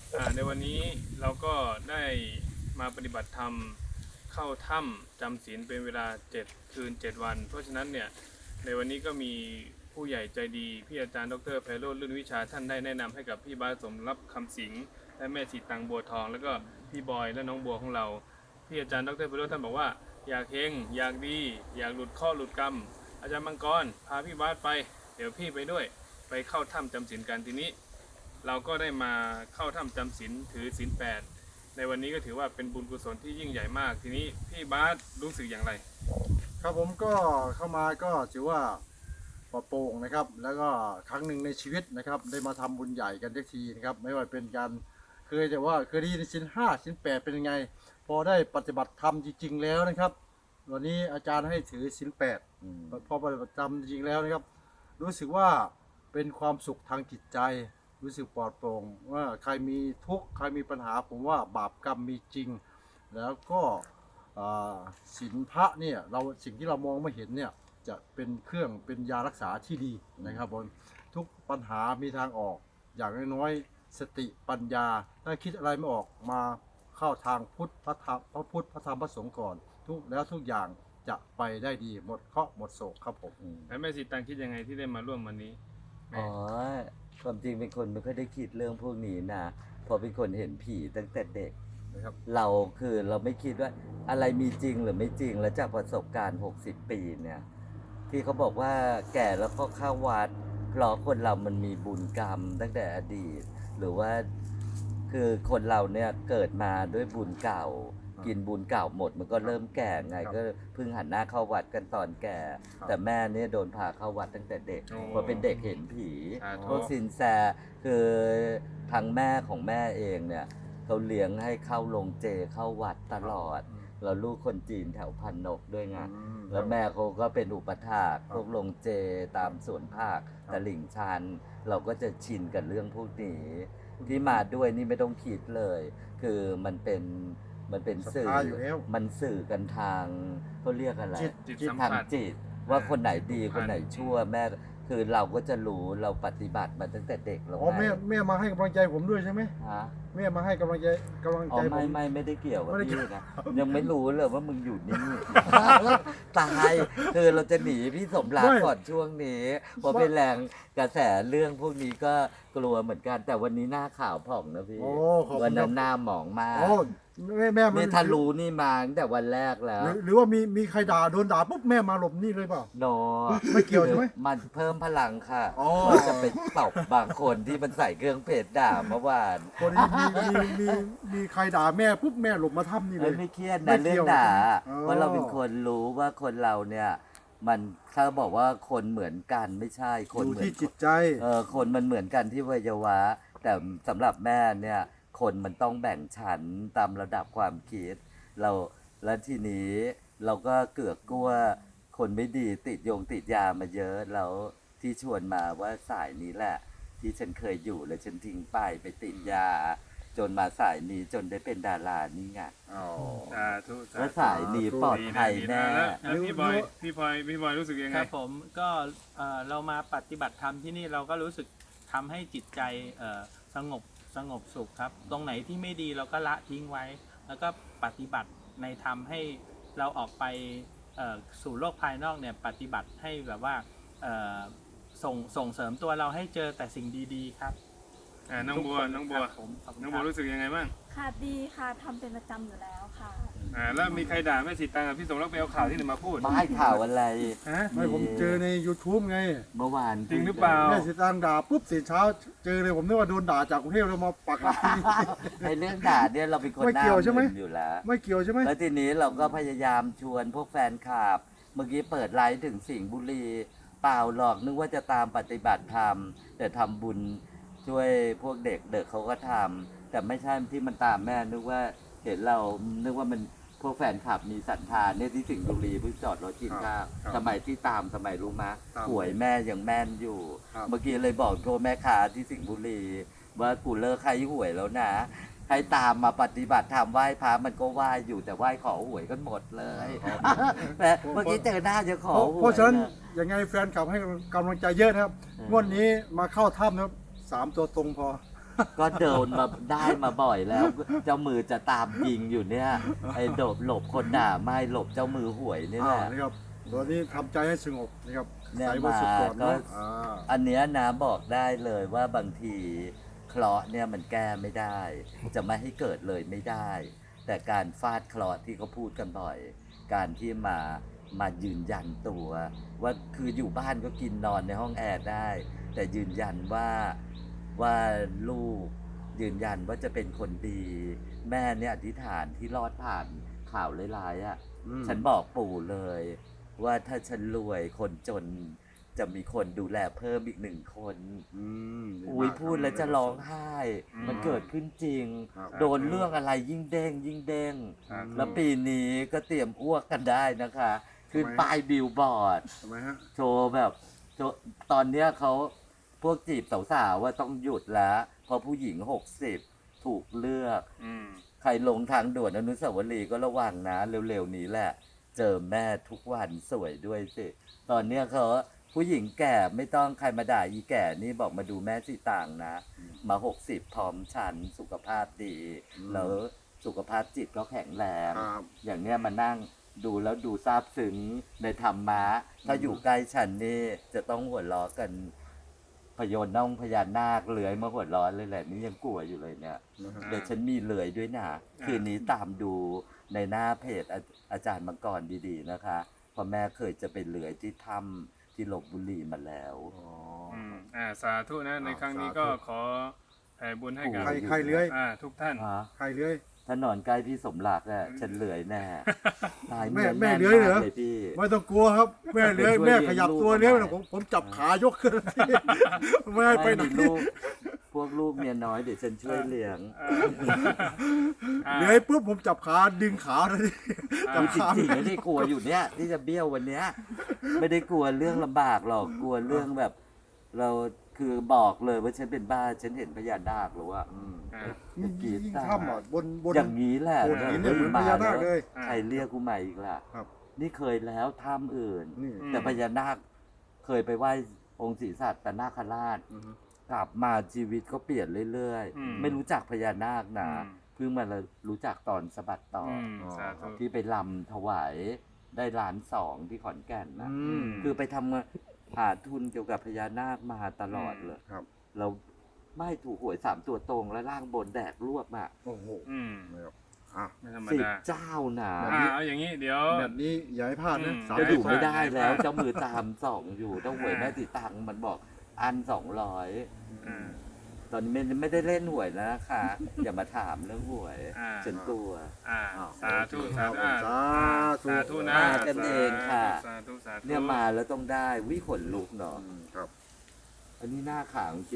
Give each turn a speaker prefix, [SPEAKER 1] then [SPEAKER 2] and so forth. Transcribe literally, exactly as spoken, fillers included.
[SPEAKER 1] อ่าในวันนี้เราก็ได้มาปฏิบัติธรรมเข้าถ้ำจำศีลเป็นเวลาเจ็ดคืนเจ็ดวัน เพราะฉะนั้นเนี่ยในวันนี้ก็มีผู้ใหญ่ใจดีพี่อาจารย์ดรไพโรจน์ลื่นวิชาท่านได้แนะนำให้กับพี่บาสสมรับคำสิงและแม่สีตังบัวทอง แล้วก็พี่บอยและน้องบัวของเราพี่อาจารย์ดรไพโรจน์ท่านบอกว่าอยากเฮงอยากดีอยากหลุดข้อหลุดกรรมอาจารย์มังกรพาพี่บาสไปเดี๋ยวพี่ไปด้วยไปเข้าถ้ำจำศีลกันทีนี้เราก็ได้มาเข้าถ้ำจำศีลถือศีลแปดในวันนี้ก็ถือว่าเป็นบุญกุศลที่ยิ่งใหญ่มากทีนี้พี่บาสรู้สึกอย่างไร
[SPEAKER 2] ครับผมก็เข้ามาก็ถือว่าปลอดโปร่งนะครับ แล้วก็ครั้งหนึ่งในชีวิตนะครับได้มาทำบุญใหญ่กันทักทีนะครับไม่ว่าเป็นการเคยจะว่าเคยได้ยินศีลห้าศีลแปดเป็นยังไงพอได้ปฏิบัติธรรมจริงๆแล้วนะครับวันนี้อาจารย์ให้ถือศีลแปดพอปฏิบัติธรรมจริงๆแล้วนะครับรู้สึกว่าเป็นความสุขทางจิตใจรู้สึกปลอดโปร่งว่าใครมีทุกข์ใครมีปัญหาผมว่าบาปกรรมมีจริงแล้วก็ศีลพระเนี่ยเราสิ่งที่เรามองไม่เห็นเนี่ยจะเป็นเครื่องเป็นยารักษาที่ดีนะครับผมทุกปัญหามีทางออกอย่างน้อยๆสติปัญญาถ้าคิดอะไรไม่ออกมาเข้าทางพุทธพระธรรมพระพุทธพระธรรมพระสงฆ์ก่อนทุกแล้วทุกอย่างจะไปได้ดีหมดเคราะห์หมดโศกครับผม
[SPEAKER 1] แล้วแม่สีตังคิดยังไงที่ได้มาร่วมวันนี้
[SPEAKER 3] อ๋อความจริงเป็นคนไม่ค่อยได้คิดเรื่องพวกนี้นะพอเป็นคนเห็นผีตั้งแต่เด็ก
[SPEAKER 2] นะครับ
[SPEAKER 3] เราคือเราไม่คิดว่าอะไรมีจริงหรือไม่จริงแล้วจากประสบการณ์หกสิบปีเนี่ยที่เขาบอกว่าแก่แล้วก็เข้าวัดเพราะคนเรามันมีบุญกรรมตั้งแต่อดีตหรือว่าคือคนเราเนี่ยเกิดมาด้วยบุญเก่ากินบุญเก่าหมดมันก็เริ่มแก่ไงก็เพิ่งหันหน้าเข้าวัดกันตอนแก่แต่แม่เนี่ยโดนพาเข้าวัดตั้งแต่เด็กเพราะเป็นเด็กเห็นผีพวกซินแซคือทางแม่ของแม่เองเนี่ยเขาเลี้ยงให้เข้าลงเจเข้าวัดตลอดเราลูกคนจีนแถวพันนกด้วยไงแล้วแม่เขาก็เป็นอุปถากพวกลงเจตามสวนภาคตลิ่งชันเราก็จะชินกับเรื่องพวกนี้ที่มาด้วยนี่ไม่ต้องคิดเลยคือมันเป็นมันเป็นสื่อมันสื่อกันทางเขาเรียกอะไรทางจิตว่าคนไหนดีคนไหนชั่วแม่คือเราก็จะรู้เราปฏิบัติมาตั้งแต่เด็กแล้ว
[SPEAKER 2] อ๋อแม่แม่มาให้กำลังใจผมด้วยใช่ไหม
[SPEAKER 3] ฮะ
[SPEAKER 2] แม่มาให้กำลังใจกำลังใจผม
[SPEAKER 3] ไม่ไม่ไม่ได้เกี่ยวกับพี่นะยังไม่รู้เลยว่ามึงอยู่นี่ตายคือเราจะหนีพี่สมรักก่อนช่วงนี้พอเป็นแรงกระแสเรื่องพวกนี้ก็กลัวเหมือนกันแต่วันนี้หน้าข่าวผ่องนะพี่วันนั้นหน้าหมองมาก
[SPEAKER 2] แม่แม่
[SPEAKER 3] ไม่ทะลุนี่มาตั้งแต่วันแรกแล้ว
[SPEAKER 2] หรือว่ามีมีใครด่าโดนด่าปุ๊บแม่มาหลบนี่เลยเปล่า
[SPEAKER 3] โน
[SPEAKER 2] ไม่เกี่ยวใช่ไหม
[SPEAKER 3] มันเพิ่มพลังค่ะว่าจะไปตบบางคนที่มันใส่เครื่องเพชรด่าเมื่อวาน
[SPEAKER 2] คนนี้มีมีมีมีใครด่าแม่ปุ๊บแม่หลบมาทับนี่เลย
[SPEAKER 3] ไม่เครียดนะเรื่องด่าเพราะเราเป็นคนรู้ว่าคนเราเนี่ยมันถ้าบอกว่าคนเหมือนกันไม่ใช่คนเหมือน
[SPEAKER 2] ที่จิตใจ
[SPEAKER 3] เออคนมันเหมือนกันที่วัยวะแต่สำหรับแม่เนี่ยคนมันต้องแบ่งชั้นตามระดับความคิดเราและทีนี้เราก็เกือกกลัวคนไม่ดีติดโยงติดยามาเยอะแล้วที่ชวนมาว่าสายนี้แหละที่ฉันเคยอยู่แล้วฉันทิ้งไปไปติดยาจนมาสายนี้จนได้เป็นดารานี่ไง
[SPEAKER 2] อ๋อ
[SPEAKER 1] สาธุ
[SPEAKER 3] แล้วสายนี้ปลอดภัยแน่
[SPEAKER 1] แล้วพี่บอยพี่บอยพี่บอยรู้สึกยังไง
[SPEAKER 4] ครับผมก็เรามาปฏิบัติธรรมที่นี่เราก็รู้สึกทำให้จิตใจสงบสงบสุขครับตรงไหนที่ไม่ดีเราก็ละทิ้งไว้แล้วก็ปฏิบัติในธรรมให้เราออกไปสู่โลกภายนอกเนี่ยปฏิบัติให้แบบว่าส่งส่งเสริมตัวเราให้เจอแต่สิ่งดีๆครับ
[SPEAKER 1] น้องบัวน้องบัวน้องบัวรู้สึกยังไงบ้าง
[SPEAKER 5] ค่ะดีค่ะทำเป็นประจำอยู่แล้วค่ะ
[SPEAKER 1] อ่าแล้วมีใครด่าแม่สีตังกับพี่สมรักไปเอาข่าวที่ไหนมาพูด
[SPEAKER 3] ไม่ให้ข่าวอะไร
[SPEAKER 2] ไม่ผมเจอใน YouTube ไง
[SPEAKER 3] เมื่อวาน
[SPEAKER 1] จริงหรือเปล่า
[SPEAKER 2] แม่สีตังด่าปุ๊บเสียเช้าเจอเลยผมนึกว่าโดนด่าจากกรุงเทพเรามาปักหลักที่นี่
[SPEAKER 3] ไอ้เรื่องด่าเนี่ยเราเป็นคนหน้ามึนอยู่แล้ว
[SPEAKER 2] ไม่เกี่ยวใช่ไหม
[SPEAKER 3] แล้วทีนี้เราก็พยายามชวนพวกแฟนคลับเมื่อกี้เปิดไลฟ์ถึงสิงห์บุรีเปล่าหรอกนึกว่าจะตามปฏิบัติธรรมแต่ทำบุญช่วยพวกเด็กเด็กเขาก็ทำแต่ไม่ใช่ที่มันตามแม่นึกว่าเห็นเรานึกว่ามันพวกแฟนคลับมีศรัทธาเนี่ยที่สิงห์บุรีเพิ่งจอดรถกินข้าวสมัยที่ตามสมัยรู้มะหวยแม่ยังแม่นอยู่เมื่อกี้เลยบอกโทรแม่ค้าที่สิงห์บุรีว่ากูเลิกใครหวยแล้วนะให้ตามมาปฏิบัติธรรมไหว้พระมันก็ไหว้อยู่แต่ไหว้ขอหวยกันหมดเลยแต่เมื่อกี้เจอหน้าจะขอหวย
[SPEAKER 2] เพราะฉะนั้นยังไงแฟนคลับให้กำลังใจเยอะนะครับงวดนี้มาเข้าถ้ำนะครับสามตัวตรงพอ
[SPEAKER 3] ก็เดินมาได้มาบ่อยแล้ว เจ้ามือจะตามยิงอยู่เนี่ยไอ้โดบหลบคนด่าไม่หลบเจ้ามือหวยนี่แห
[SPEAKER 2] อ่า
[SPEAKER 3] ละ
[SPEAKER 2] นะครับตอนนี้ทำใจให้สงบนะครับ
[SPEAKER 3] เนี่ย
[SPEAKER 2] ใส่บริสุทธิ์ก่อน
[SPEAKER 3] มาก็
[SPEAKER 2] เนาะอ่า
[SPEAKER 3] อันเนี้ยนะบอกได้เลยว่าบางทีเคราะห์เนี่ยมันแก้ไม่ได้ จะไม่ให้เกิดเลยไม่ได้ แต่การฟาดเคราะห์ที่เขาพูดกันบ่อย การที่มามายืนยันตัว ว่าคืออยู่บ้านก็กินนอนในห้องแอร์ได้ แต่ยืนยันว่าว่าลูกยืนยันว่าจะเป็นคนดี แม่เนี่ยอธิษฐานที่รอดผ่านข่าวร้ายๆอ่ะ
[SPEAKER 2] อืม
[SPEAKER 3] ฉันบอกปู่เลย ว่าถ้าฉันรวยคนจนจะมีคนดูแลเพิ่มอีกหนึ่งคน
[SPEAKER 2] อืมดี
[SPEAKER 3] อุ้ย
[SPEAKER 2] มาก
[SPEAKER 3] พูดแล้วจะร้องไห้
[SPEAKER 1] อืม
[SPEAKER 3] มันเกิดขึ้นจริง
[SPEAKER 2] ครับ
[SPEAKER 3] โดนเรื่องอะไรยิ่งเด้งยิ่งเด้ง
[SPEAKER 1] ครับ
[SPEAKER 3] แล้วปีนี้ก็เตรียมอ้วกกันได้นะคะ คือ
[SPEAKER 2] ทำไมฮะ
[SPEAKER 3] ป้ายบิลบอร์ด
[SPEAKER 2] ทำไมฮะ
[SPEAKER 3] โชว์แบบโชว์ตอนเนี้ยเขาพวกจีบสาวๆว่าต้องหยุดแล้วเพราะผู้หญิงหกสิบถูกเลือก
[SPEAKER 1] อืม
[SPEAKER 3] ใครลงทางด่วนอนุสาวรีย์ก็ระวังนะ เร็วๆนี้แหละ เจอแม่ทุกวันสวยด้วยสิ ตอนเนี้ยเขาผู้หญิงแก่ไม่ต้องใครมาด่าอีแก่นี่บอกมาดูแม่สีต่างนะ มาหกสิบพร้อมฉันสุขภาพดี
[SPEAKER 2] อืม
[SPEAKER 3] แล้วสุขภาพจิตก็แข็งแรง
[SPEAKER 2] ครับ
[SPEAKER 3] อย่างเนี้ยมานั่งดูแล้วดูซาบซึ้งในธรรมะ ถ้าอยู่ใกล้ฉันนี่จะต้องหัวเราะกันพยนต์น้องพญานาคเลื้อยมาหัวเร้อนเลยแหละนี่ยังกลัวอยู่เลยเนี่ย
[SPEAKER 2] นะฮะ
[SPEAKER 3] เดี๋ยวฉันมีเลื้อยด้วยนะ คืนนี้ตามดูในหน้าเพจอาอาจารย์มังกรดีๆนะคะเพราะแม่เคยจะไปเลื้อยที่ถ้ำที่ลบบุรีมาแล้ว
[SPEAKER 2] อ๋อ
[SPEAKER 1] อืมอ่าสาธุนะใน
[SPEAKER 2] อ่า
[SPEAKER 1] ครั้งนี้
[SPEAKER 2] สาธุ
[SPEAKER 1] ก็ขอแผ่บุญให้กับ
[SPEAKER 2] ใครใครเลื้อย
[SPEAKER 1] อ่าทุกท่าน
[SPEAKER 2] ใครเลื้อย
[SPEAKER 3] ถ้านอนใกล้พี่สมรักอ่ะฉันเลื้อยแน่ตาย
[SPEAKER 2] แม่
[SPEAKER 3] เนื้อ
[SPEAKER 2] แม่
[SPEAKER 3] น่น
[SPEAKER 2] เลื้อยเหรอ
[SPEAKER 3] มากพี่
[SPEAKER 2] ไม่ต้องกลัวครับ แม่เลื้อย
[SPEAKER 3] ช่วย
[SPEAKER 2] แม่
[SPEAKER 3] เลี้ยง
[SPEAKER 2] ขยับ
[SPEAKER 3] ลูก
[SPEAKER 2] ตัวเลื้อย
[SPEAKER 3] ทำไม
[SPEAKER 2] ผมผมจับขายกขึ้นทีไม่ให้ไปไหน
[SPEAKER 3] ม่มีลูกพวกลูกเมียน้อยเดี๋ยวฉันช่วยเลี้ยง
[SPEAKER 1] อ่า
[SPEAKER 2] เลื้อยปุ๊บผมจับขาดึงขาเลย
[SPEAKER 1] อ่า
[SPEAKER 2] จับ
[SPEAKER 3] คือจ
[SPEAKER 2] ขา
[SPEAKER 3] ริงๆไม่ได้กลัวอยู่เนี้ยที่จะเบี้ยววันเนี้ยไม่ได้กลัวเรื่องลำบากหรอกกลัวเรื่องแบบ เราคือบอกเลยว่าฉันเป็นบ้าฉันเห็นพญานาคหรือว่า
[SPEAKER 2] อืม
[SPEAKER 1] อ่า
[SPEAKER 2] ยิ่งยิ่งถ้ำอ่ะบนบน
[SPEAKER 3] อย่างนี้แหละ
[SPEAKER 2] โขดหินเนี่ยเหมือนพญานาคเลย
[SPEAKER 1] อ่า
[SPEAKER 3] ใครเรียกกูใหม่อีกล่ะ
[SPEAKER 2] ครับ
[SPEAKER 3] นี่เคยแล้วถ้ำอื่น
[SPEAKER 2] นี่
[SPEAKER 1] อืม
[SPEAKER 3] แต่พญานาคเคยไปไหว้องค์ศรีสัตนาคราช
[SPEAKER 2] อือฮึ
[SPEAKER 3] กลับมาชีวิตก็เปลี่ยนเรื่อย
[SPEAKER 1] อืม
[SPEAKER 3] ๆ ไม่รู้จักพญานาคนะ
[SPEAKER 1] อืม
[SPEAKER 3] เพิ่งมารู้จักตอนสะบัดต่อ
[SPEAKER 1] อื
[SPEAKER 3] อ
[SPEAKER 1] มสาธุ
[SPEAKER 3] ที่ไปลำถวายได้ล้านสองที่ขอนแก่นนะ
[SPEAKER 2] อืม
[SPEAKER 3] คือไปทำงานหาทุนเกี่ยวกับพญานาคมาตลอดเลย
[SPEAKER 2] ครับ
[SPEAKER 3] เราไม่ถูกหวยสามตัวตรงและล่างบนแดกรวบอ่ะ
[SPEAKER 2] โอ้โห
[SPEAKER 1] อืม
[SPEAKER 2] นะครับอ่ะ
[SPEAKER 1] ไม่ธรรม
[SPEAKER 3] สิบ
[SPEAKER 1] ดา
[SPEAKER 3] เจ้าหนา
[SPEAKER 1] อ่าเอาอย่างนี้เดี๋ยว
[SPEAKER 2] แบบนี้อย่าให้พลาดนะ
[SPEAKER 1] อืม
[SPEAKER 2] สาม
[SPEAKER 3] จะอยู่
[SPEAKER 2] สิบ
[SPEAKER 3] ไม่ได้แล้ว
[SPEAKER 1] อ่า
[SPEAKER 3] เจ้ามือตามสองอยู่ต้องหวยแม่ติตังค์มันบอกอันสองร้อย
[SPEAKER 1] อ่า
[SPEAKER 3] ตอนนี้ไม่ไม่ได้เล่นหวยแล้วนะคะ อย่ามาถามเรื่องหวย
[SPEAKER 1] อ่า
[SPEAKER 3] ฉันกลัว
[SPEAKER 1] อ่า
[SPEAKER 2] อ้าว
[SPEAKER 1] สาธุสาธุ
[SPEAKER 2] ครับ
[SPEAKER 1] อ่า
[SPEAKER 2] สาธุ
[SPEAKER 1] สาธุนะ
[SPEAKER 3] มากันเองค่ะ
[SPEAKER 1] สาธุสาธุ
[SPEAKER 3] เนี่ยมาแล้วต้องได้วิขนลุกเนาะ
[SPEAKER 2] อืมครับ
[SPEAKER 3] อันนี้หน้าขาวจริง